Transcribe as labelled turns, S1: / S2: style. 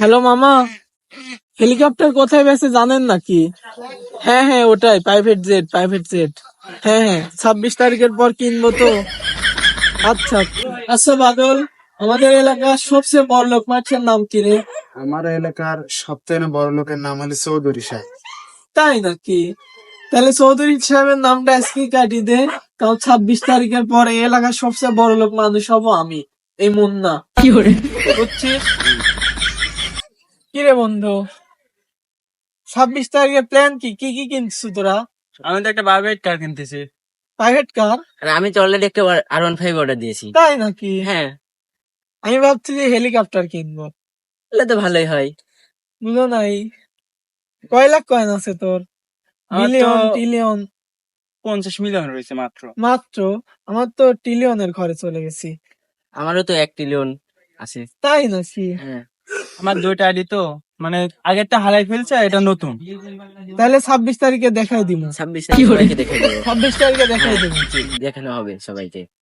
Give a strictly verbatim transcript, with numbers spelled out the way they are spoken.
S1: Hello মামা, helicopter কোথায় বেচে জানেন নাকি? হ্যাঁ হ্যাঁ ওটাই, প্রাইভেট জেট, প্রাইভেট জেট। হ্যাঁ হ্যাঁ, ছাব্বিশ তারিখের পর কিনবো তো। আচ্ছা আচ্ছা বাদল, আমাদের এলাকার সবচেয়ে বড় লোক মাছের নাম কি রে?
S2: আমার এলাকার সবথেকে বড় লোকের নাম হলো চৌধুরী সাহেব।
S1: তাই নাকি? তাহলে চৌধুরী সাহেবের নামটা আজকে কাটি দে। কারণ ছাব্বিশ তারিখের পরে এই এলাকার সবচেয়ে বড় লোক মানুষ হবো আমি, এই মুন্না। বুঝছিস? কি রে বন্ধু, ছাব্বিশ তারিখের প্ল্যান কি? কি কি কিনছিস তোরা?
S3: আমি তো একটা প্রাইভেট কার কিনতেছি।
S1: Private car?
S4: আর আমি তো অলরেডি একটা আর ওয়ান ফাইভ অর্ডার দিয়েছি।
S1: তাই নাকি?
S4: হ্যাঁ,
S1: আমি ভাবছি যে হেলিকপ্টার কিনবো।
S4: তাহলে তো ভালোই হয়।
S1: বুঝো নাই, কয় লাখ কয়েন আছে তোর?
S3: আমার তো
S1: বিলিয়ন টিলিয়ন?
S3: পঞ্চাশ মিলিয়ন রয়েছে মাত্র।
S1: মাত্র? আমার তো ট্রিলিয়নের ঘরে চলে গেছি।
S4: আমারও তো এক ট্রিলিয়ন আছে।
S1: তাই নাকি?
S4: হ্যাঁ,
S3: আমার দুইটা আইডি তো, মানে আগেরটা হারাই ফেলছে, এটা নতুন।
S1: তাহলে ছাব্বিশ তারিখে দেখাই দিব।
S4: ছাব্বিশ তারিখ সবাইকে দেখে দেবো।
S1: ছাব্বিশ তারিখে দেখাই
S4: হ্যাঁ,
S1: দিব।
S4: দেখানো হবে সবাইকে।